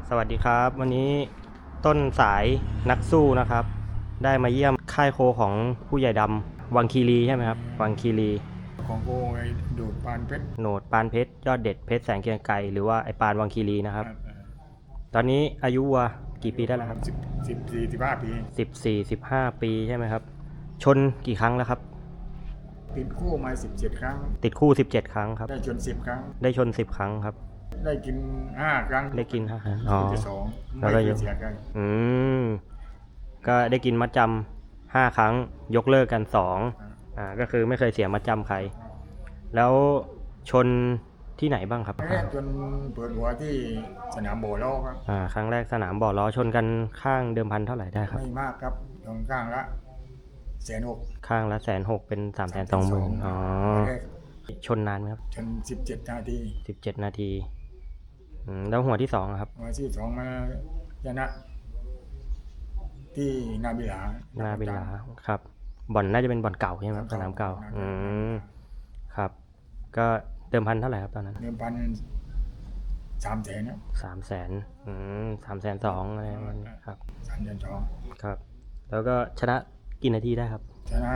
สวัสดีครับวันนี้ต้นสายนักสู้นะครับได้มาเยี่ยมค่ายโคของผู้ใหญ่ดำวังคีรีใช่ไหมครับวังคีรีของโกไอ้ดูดปานเพชรโหนดปานเพชรยอดเด็ดเพชรแสงเกรียงไกรหรือว่าไอปานวังคีรีนะครับตอนนี้อายุวัวกี่ปีได้แล้วครับ 14-15 ปี 14-15 ปีใช่ไหมครับชนกี่ครั้งแล้วครับติดคู่มา17 ครั้งติดคู่17 ครั้งครับได้ชน10 ครั้งได้ชน10 ครั้งครับได้กิน5 ครั้งได้กิน5 ครั้งอ๋อแล้วก็ยกเสียกันก็ได้กินมัดจำ5 ครั้งยกเลิกกัน2ก็คือไม่เคยเสียมัดจำใครแล้วชนที่ไหนบ้างครับจนเปิดหัวที่สนามโบล้อครับครั้งแรกสนามบ่อล้อชนกันข้างเดิมพันเท่าไหร่ได้ครับไม่มากครับตรงข้างละ160,000 ข้างละ160,000เป็น320,000อ๋อชนนานไหมครับชน17 นาที 17 นาทีแล้วหัวที่2ครับหัวที่2มาชนะที่นาบิลาครับบ่อนน่าจะเป็นบ่อนเก่าใช่ไหมครับสนามเก่าครับก็เดิมพันเท่าไหร่ครับตอนนั้นเดิมพัน300,000นะ 320,000อะไรประมาณนี้ครับ 320,000 ครับแล้วก็ชนะกี่นาทีได้ครับชนะ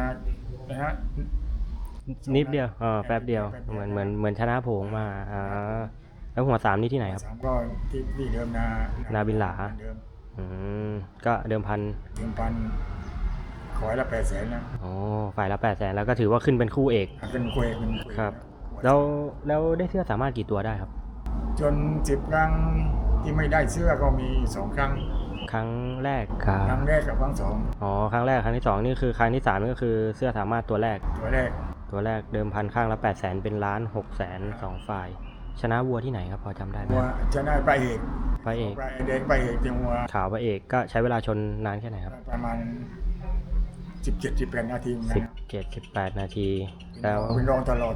นิดเดียวแป๊บเดียวเหมือนชนะโผงมาแล้วหัว3นี่ที่ไหนครับก็ที่เดิมนาบินหลาก็เดิมพันขอละ800,000นะฝ่ายละ800,000แล้วก็ถือว่าขึ้นเป็นคู่เอกเป็นคู่เอกครับแล้วได้เสื้อสามารถกี่ตัวได้ครับจน10 ครั้งที่ไม่ได้เสื้อก็มี2 ครั้งครั้งแรกกับครั้ง2 ครั้งแรกครั้งที่2นี่คือครั้งที่3นี่ก็คือเสื้อสามารถตัวแรกเดิมพันข้างละ800,000เป็น1,600,000 2 ฝ่ายชนะวัวที่ไหนครับพอจำได้ไหมชนะไปเอกแดงไปเอกเตียงวัวขาวไปเอกก็ใช้เวลาชนนานแค่ไหนครับประมาณ17-18 นาที 17-18 นาทีแล้วเป็นรองตลอด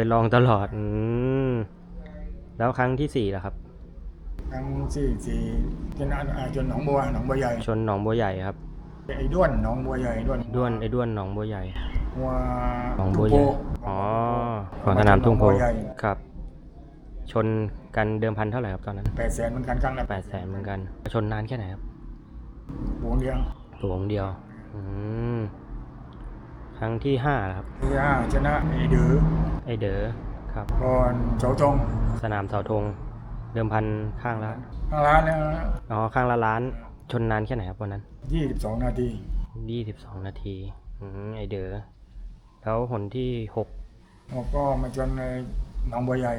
แล้วครั้งที่4ล่ะครับครั้งที่4ชนะจนหนองบัวใหญ่ชนหนองบัวใหญ่ครับไอ้ด้วนหนองบัวใหญ่ด้วนหนองบัวใหญ่วัวหนองบัวใหญ่ของสนามทุ่งโพครับชนกันเดิมพันเท่าไหร่ครับตอนนั้น 800,000เหมือนกันครั้งละ 800,000เหมือนกันชนนานแค่ไหนครับหวงเดียวครั้งที่5ครับที่5ชนะไอเด๋อครับก่อนเสาธงสนามเสาธงเดิมพันข้างละล้านข้างละล้านชนนานแค่ไหนครับวันนั้น 22 นาทีไอเด๋อแล้วหนที่6 ก็มาชนในหนองบัวใหญ่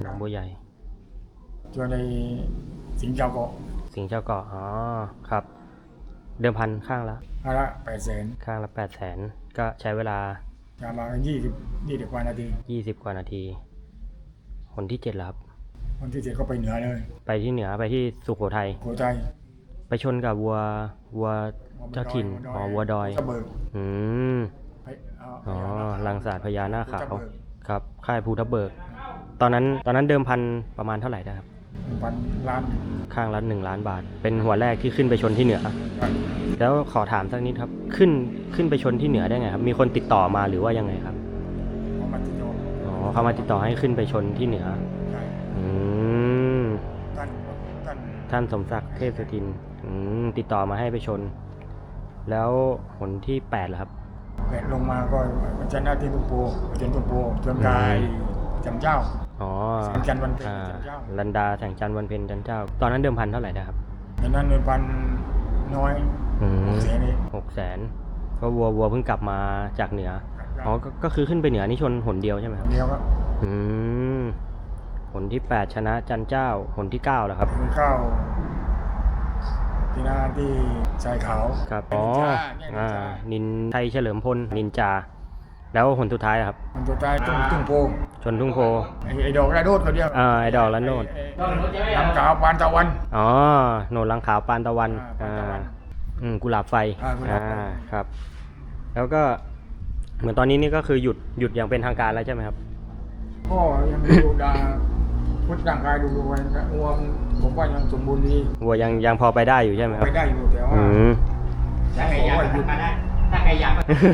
ชนในสิงห์เจ้าเกาะครับเดิมพันข้างละ 800,000 ข้างละ800,000ก็ใช้เวลาประมาณ20 กว่านาทีหนที่7แล้วครับหนที่7ก็ไปเหนือเลยไปที่เหนือไปที่สุโขทัยไปชนกับวัวเจ้าถิ่นวัวดอยรังสาดพญานาคขาวครับค่ายภูทับเบิกตอนนั้นเดิมพันประมาณเท่าไหร่ได้ครับ 1,000 ล้านข้างละ1 ล้านบาทเป็นหัวแรกที่ขึ้นไปชนที่เหนือแล้วขอถามสักนิดครับขึ้นไปชนที่เหนือได้ไงครับมีคนติดต่อมาหรือว่ายังไงครับเขามาติดต่อให้ขึ้นไปชนที่เหนือท่านสมศักดิ์เทพสุทินติดต่อมาให้ไปชนแล้วหนที่8ล่ะครับลงมาก็ชนะที่ตุ้งโพจนกายจันเจ้าแสงจันทร์วันเพ็ญจันเจ้าลันดาแสงจันทร์วันเพ็ญจันเจ้าตอนนั้นเดิมพันเท่าไหร่นะครับตอนนั้นเดิมพันน้อย 600,000ก็วัวเพิ่งกลับมาจากเหนือก็คือขึ้นไปเหนือนี่ชนหนเดียวใช่ไหมครับเดียวครับหนที่8ชนะจันเจ้าหนที่9เหรอครับที่หน้าที่ชายขาวครับนินไทยเฉลิมพลนินจาแล้วหนสุดท้ายครับหนสุดท้ายทุ่งโพชนทุ่งโพไอดอกระโดดเขาเดียวไอดอกระโดดลังขาวปานตะวันโหนดลังขาวปานตะวันกุหลาบไฟครับแล้วก็เหมือนตอนนี้นี่ก็คือหยุดอย่างเป็นทางการแล้วใช่ไหมครับก็ยังดูดาพุทธร่างกายดูวันวัวผมว่ายังสมบูรณ์ดีวัวยังพอไปได้อยู่ใช่ไหมครับไปได้อยู่แต่ว่าถ้าใครอยาก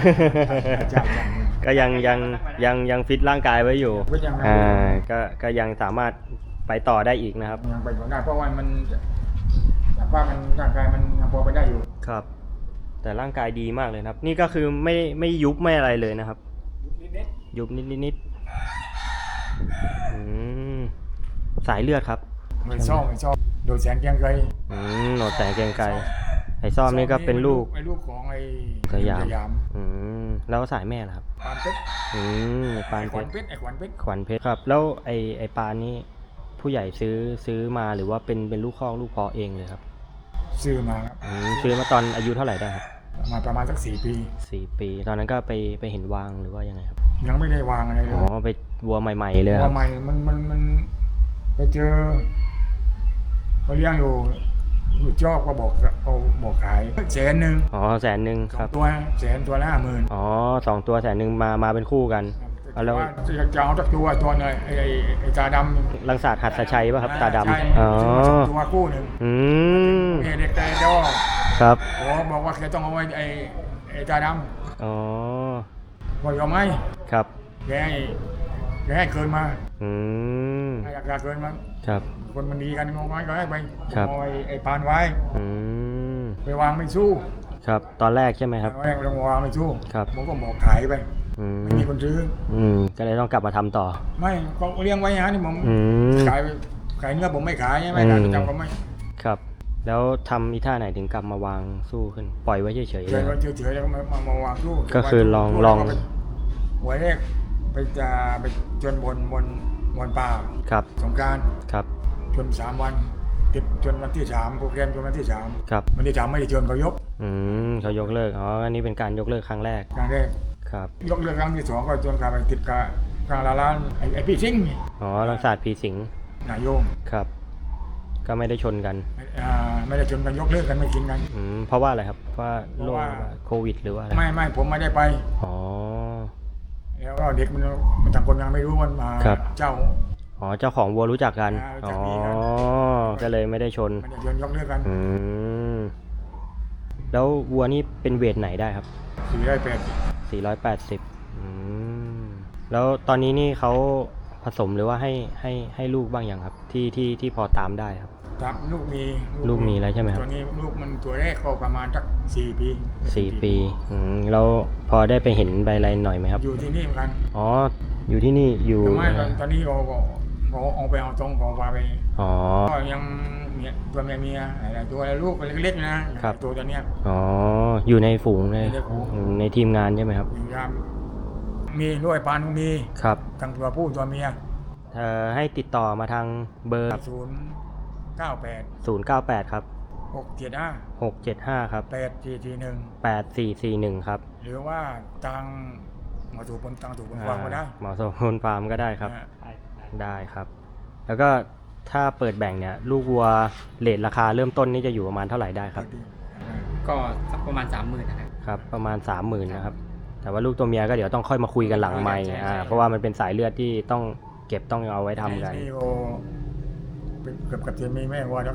ก็ยังฟิตร่างกายไว้อยู่ก็ยังสามารถไปต่อได้อีกนะครับยังไปต่อได้เพราะว่ามันว่ามันร่างกายมันยังพอไปได้อยู่ครับ แต่ร่างกายดีมากเลยนะครับ นี่ก็คือไม่ยุบไม่อะไรเลยนะครับ ยุบนิดอืมสายเลือดครับไม่ชอบโดยแสนเกรียงไกรโหนดแสงเกรียงไกรไอ้ซ่อมนี่ก็เป็นลูกไอ้ลูกของไอ้สยามสยามแล้วสายแม่ล่ะครับปานเพชรปานไอ้ขเพวัญชรเพชรไอ้ขวัญเพชรขวัญเพชรครับ แล้วไอ้ปานนี่ผู้ใหญ่ซื้อมาหรือว่าเป็นลูกคอกลูกเพาะเองเลยครับซื้อมาครับซื้อมาตอนอายุเท่าไหร่ได้ครับมาประมาณสัก4 ปี 4 ปี ตอนนั้นก็ไปเห็นวางหรือว่ายังไงครับยังไม่ได้วางอะไรเลยอ๋อไปวัวใหม่ๆเลยคว่ารับใหม่มันไปเจอเขาเลี้ยงอยู่จอกก็บอกขาย100,000 อ๋อ100,000ครับตัวตัวละ50,000 อ๋อ2 ตัว100,000มาเป็นคู่กัน เอาแล้วว่าจะเอาสักตัวหน่อยไอ้ตาดำลังศาสตร์หัดสชัยป่ะครับตาดำใช่อ๋อตัวคู่หนึ่ง เด็กแต่เจ้าครับบอกว่าแกต้องเอาไว้ไอ้ตาดอ๋อำบอกเอาไหมครับแกให้เกินมาอืมให้ราคาเกินมาครับคนมันดีกันงงไว้ก็ให้ไปครับเอาไอ้ปานไว้อืมไปวางไม่สู้ครับตอนแรกใช่ไหมครับแรกลงวางไม่สู้ครับผมก็บอกขายไปอืมไม่มีคนซื้อก็เลยต้องกลับมาทำต่อไม่ก็เลี้ยงไว้ฮะนี่ผมอืมขายเนื้อผมไม่ขายใช่ไหมขายประจำก็ไม่ครับ แล้วทำอีท่าไหนถึงกลับมาวางสู้ขึ้น ปล่อยไว้เฉยๆเฉเลยยครับๆเฉยๆแล้วก็มาวางสู้ก็คือลองแล้วก็ไปหัวแรกไปจนบนป่าครับสงกรานต์ครับจน3 วันติดจนวันที่3โปรแกรมจนวันที่3 ครับวันที่3ไม่ได้จนเขายกเขายกเลิก อ๋อ อันนี้เป็นการยกเลิกครั้งแรกครั้งแรกครับยกเลิกครั้งที่2ก็จนกลายไปติดกับกลางร้านไอ้พี่ซิงห์อ๋อลังศาสตร์ผีสิงนายโยงครับ ก็ไม่ได้ชนกันไม่ได้จนกันยกเลิกกันไม่กินกันเพราะว่าอะไรครับ เพราะว่าโรคเพราะว่าโควิดหรือว่าอะไรไม่ผมไม่ได้ไปอ๋อแล้วก็เด็กมันต่างคนยังไม่รู้มันมาครับเจ้าอ๋อ เจ้าของวัวรู้จักกันรู้จัอ๋กอดีกันก็เลยไม่ได้ชนไม่ได้จนยกเลิกกันอืม แล้ววัวนี่เป็นเวทไหนได้ครับ 480 480แล้วตอนนี้นี่เขาผสมหรือว่าให้ลูกบ้างอย่างครับ ที่พอตามได้ครับครับลูกมีลูกมีแล้วใช่ไหมครับตัวนี้ลูกมันตัวแรกก็ประมาณสัก4 ปี 4 ปีแล้วพอได้ไปเห็นใบอะไรหน่อยไหมครับอยู่ที่นี่เหมือนกันอ๋อ อยู่ที่นี่อยู่แต่ไม่ตอนนี้เราก็เอาไปเอาตรงของปลาไปอ๋อก็ยังเนี่ยตัวเมียอะไรตัวลูกเล็กๆนะครับ ตัวเนี้ยอ๋อ อยู่ในฝูงเลยอยู่ในฝูงในทีมงานใช่ไหมครับอยู่ยามมีด้วยปานก็มีครับทั้งตัวผู้ตัวเมียให้ติดต่อมาทางเบอร์ 098 098 ครับ 675 675 ครับ 8441 8441 ครับหรือว่าทางหมอสูบนทางสูบนวางก็ได้หมอโซนฟาร์มก็ได้ครับนะได้ครับ แล้วก็ถ้าเปิดแบ่งเนี่ย ลูกวัวเรทราคาเริ่มต้นนี่จะอยู่ประมาณเท่าไหร่ได้ครับก็สักประมาณ 30,000นะครับครับ ประมาณ 30,000นะครับ แต่ว่าลูกตัวเมียก็เดี๋ยวต้องค่อยมาคุยกันหลังไมค์ใช่เพราะว่ามันเป็นสายเลือดที่ต้องเก็บต้องเอาไว้ทำกันนี่ก็เป็นเกือบกับจะมีแม่วัวทั้ง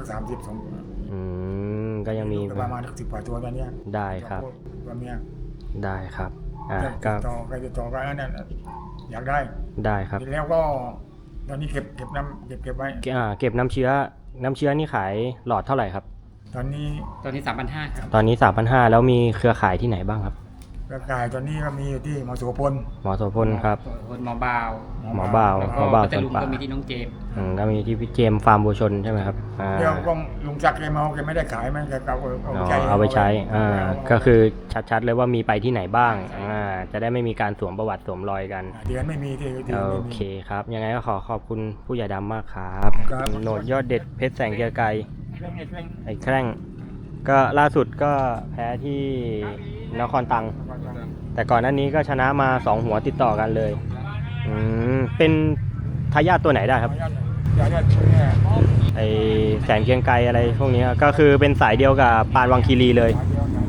32 ก็ยังมีประมาณ10 กว่าตัวตอนเนี้ยได้ครับตัวเมียได้ครับติก็ดต่อใครติดต่อกันนั่นอยากได้ได้ครับแล้วก็ตอนนี้เก็บน้ำเก็บไว้เก็บน้ำเชื้อนี่ขายหลอดเท่าไหร่ครับตอนนี้ตอนนี้ 3,500ครับตอนนี้ 3,500แล้วมีเครือข่ายที่ไหนบ้างครับกระต่ายตอนนี้ก็มีอยู่ที่หมอโสพลหมอโสพลครับคนหมอบาวหมอบ่าวแล้วหมก็อบ่าวพัทสวนลุงป่าก็มีที่น้องเจมส์ก็มีที่พี่เจมส์ฟาร์มบัวชนใช่ไหมครับเดี๋ยวก็ลุงจักรแกเมาแกไม่ได้ขายมันแกเอาไปใช้ก็คือชัดๆเลยว่ามีไปที่ไหนบ้างจะได้ไม่มีการสวมประวัติสวมรอยกันเดือนไม่มีที่โอเคครับ ยังไงก็ขอขอบคุณผู้ใหญ่ดำมากครับครับโหนดยอดเด็ดเพชรแสงเกียร์ไกรไอ้แคร่งก็ล่าสุดก็แพ้ที่นครตัง แต่ก่อนหน้านี้ก็ชนะมา2หัวติดต่อกันเลยเป็นทายาทตัวไหนได้ครับยาช่วยแม่ไอแสงเกรียงไกรอะไรพวกนี้ก็คือเป็นสายเดียวกับปานวังคีรีเลย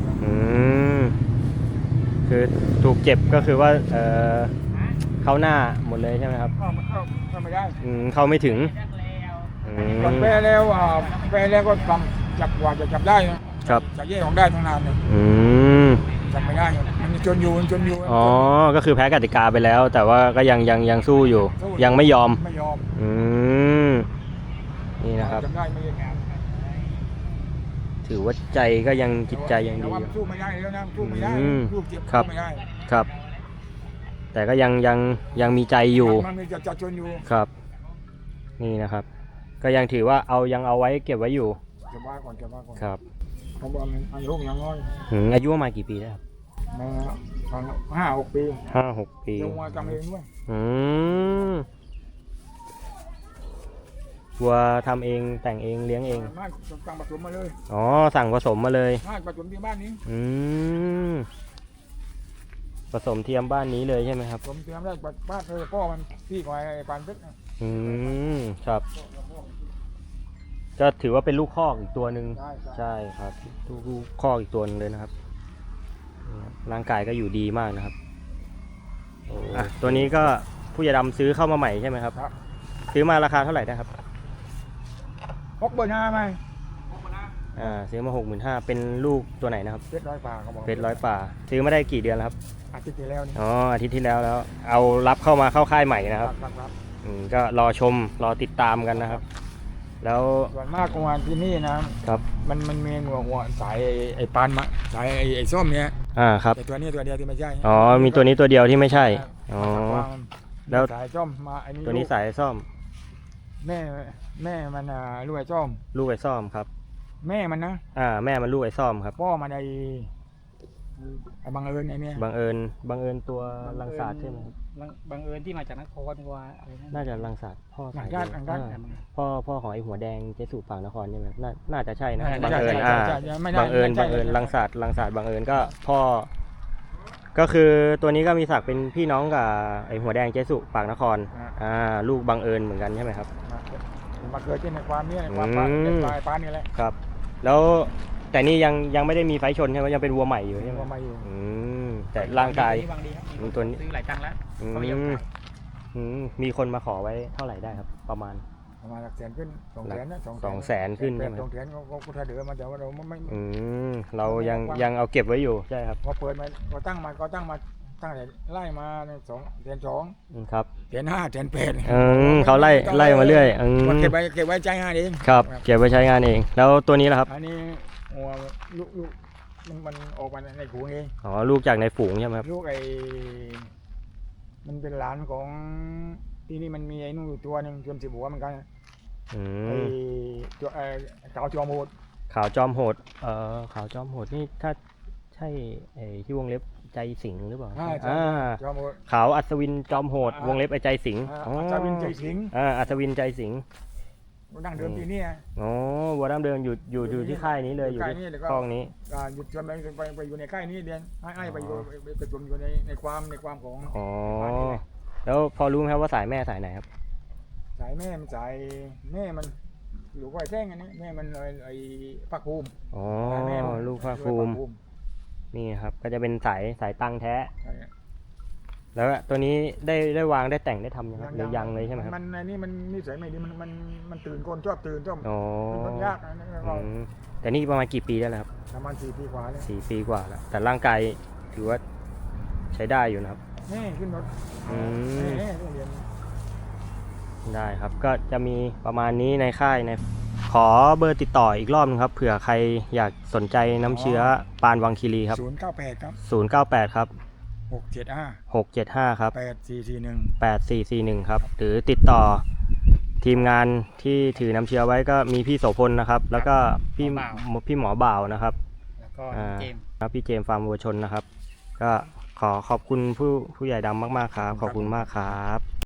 คือถูกเจ็บก็คือว่าเข้าหน้าหมดเลยใช่ไหมครับเข้าไม่ได้เข้าไม่ถึงแปลแล้วก็ทำจับว่าจะจับได้นะครับ จะแยกออกได้ทั้งนานเลยจับไม่ได้มันจนอยู่อ๋อก็คือแพ้กติกาไปแล้ว แต่ว่าก็ยังสู้อยู่ ยังไม่ยอมไม่ยอมนี่นะครับจับได้ไม่ได้ถือว่าใจก็ยังจิตใจยังแต่ดีว่าอมันยู่สู้ไม่ได้แล้วนะสู้ไม่ได้อืมลูกเจ็บครับสู้ไม่ได้ครับ แต่ก็ยังมีใจอยู่มันมีจะชนอยู่ครับ นี่นะครับ ก็ยังถือว่ายังเอาไว้เก็บไว้อยู่เก็บไว้ก่อนเก็บไว้ก่อนครับเพราะว่ามันอายุยังน้อยอายุประมาณกี่ปีแล้วครับมาตอน5-6 ปี 5-6 ปีลงมาทำเองด้วยอืมวัวทำเองแต่งเองเลี้ยงเองไม่สั่งผสมมาเลยอ๋อสั่งผสมมาเลยไม่ผสมที่บ้านนี้อืมผสมเทียมบ้านนี้เลยใช่ไหมครับผมเตรียมได้บ้านเลยพ่อมันพี่ของไอ้ปานเพชรนะอืมครับ ก็ถือว่าเป็นลูกคอกอีกตัวหนึ่งใช่ใช่ครับลูกคอกอีกตัวหนึงเลยนะครับนี่ครับร่างกายก็อยู่ดีมากนะครับอ่ะตัวนี้ก็ผู้ใหญ่ดำซื้อเข้ามาใหม่ใช่ไหมครับครับซื้อมาราคาเท่าไหร่นะครับ 65ไหมซื้อมา 65,000เป็นลูกตัวไหนนะครับเพชรร้อยป่าเขาบอกเพชรร้อยป่า ซื้อมาได้กี่เดือนแล้วครับอาทิตย์ที่แล้วนี่อ๋ออาทิตย์ที่แล้วแล้ว เอารับเข้ามาเข้าค่ายใหม่นะครับครับก็รอชมรอติดตามกันนะครับ แล้วส่วนมากกวานที่นี่นะครับ มันมีหัวสายไอ้ปานมาสายไอ้ส้มเนี้ยครับแต่ตัวนี้ตัวเดียวที่ไม่ใช่อ๋อมีตัวนี้ตัวเดียวที่ไม่ใช่อ๋อ แล้วสายส้มมาไอ้นี่ตัวนี้สายซ่อมแม่มันลูกไอ้ส้มลูกไอ้ซ่อมครับแม่มันนะแม่มันลูกไอ้ซ่อมครับพ่อมันไอ้บังเอิญไอ้เนี่ยบังเอิญตัวลังสาดใช่ไหมครับบังเอิญที่มาจากนครว่าอะไรนะน่าจะลังสาดพ่อหลัสาง ยด้านหลังด้านพ่อของไอ้หัวแดงเจสุฝั่งนครใช่ไหมน่าจะใช่นะใช่บังเอิญใช่ไม่ได้บังเอิญไม่ใช่ลังสาดบังเอิญก็พ่อ ก็คือตัวนี้ก็มีศักดิ์เป็นพี่น้องกับไอ้หัวแดงเจสุปากนคร ลูกบังเอิญเหมือนกันใช่ไหมครับมาเกิดที่ในความนี้ในความปานปานนี่แหละครับ แล้วแต่นี่ยังไม่ได้มีไฟชนใช่ไหมยังเป็นวัวใหม่อยู่ใช่ไหมมาอยู่แต่ร่างกายวางดีครับตัวนี้ซื้อหลายครั้งแล้วอืเขาไม่ยอมมขายมีคนมาขอไว้เท่าไหร่ได้ครับ ประมาณประมาณ100,000ขึ้น200,000นะ 200,000ขึ้นใช่ไหม 200,000ก็ถ้าเดือมาแต่ว่าเราไม่เรายังเอาเก็บไว้อยู่ใช่ครับพอเปิดมาก็ตั้งมาตั้งแต่ไล่มา2,200,000 ครับ 1,500,000 เขาไล่มาเรื่อยเก็บไว้ใจ5เองครับ เก็บไว้ใช้งานเอง แล้วตัวนี้ล่ะครับอันนี้หัวลูกมันออกมาในหูเองอ๋อลูกจากในฝูงใช่ไหมครับลูกมันเป็นหลานของที่นี่มันมีไอ้นู่นอยู่ตัวหนึ่งจนสิบหัวเหมือนกันอืไอ้มตัวเต่าจอมโหดขาวจอมโหดขาวจอมโหดนี่ถ้าใช่ไอ้ที่วงเล็บใจสิงหรือเปล่าจอมโหดขาวอัศวินจอมโหด วงเล็บไอ้ใจสิงจาวินใจสิงอัศวินใจสิงดั้งเดิมที่นี่อ๋อวัวดั้งเดิมอยู่ที่ค่ายนี้เลยอยู่ที่คลองนี้หยุดจนไปอยู่ในค่ายนี้เรียนให้ไปอยู่ไปรวมอยู่ในความของอ๋อแล้วพอรู้ไหมครับว่าสายแม่สายไหนครับสายแม่มันสายแม่มันอยู่ก้อยแท่งอันนี้แม่มันไอ้ภาคภูมิอ๋อลูกภาคภูมินี่ครับก็จะเป็นสายตังแท้ แล้วตัวนี้ได้วางได้แต่งได้ทำยังครับหรือยังเลยใช่ไหมครับมันอันนี้มันนิสัยไม่ดีมันตื่นคนชอบตื่นชอบอ๋อมันยากนะแต่นี่ประมาณกี่ปีแล้วครับประมาณ4 ปีกว่าแล้ว 4 ปีกว่าแล้วแต่ร่างกายถือว่าใช้ได้อยู่นะครับนี่ขึ้นรถ นี่โรงเรียนได้ครับก็จะมีประมาณนี้ในค่ายขอเบอร์ติดต่ออีกรอบนึงครับเผื่อใครอยากสนใจน้ำเชื้อปานวังคีรีครับ 098ครับ 098ครับ 675 675ครับ 8441 8441ครับหรือติดต่อทีมงานที่ถือน้ำเชื้อไว้ก็มีพี่โสพลนะครับ แล้วก็พี่หมอบ่าวนะครับแล้วก็เจมส์ครับพี่เจมส์ฟาร์มวัวชนนะครับ ก็ขอขอบคุณผู้ใหญ่ดำมากๆครับขอบคุณมากครับ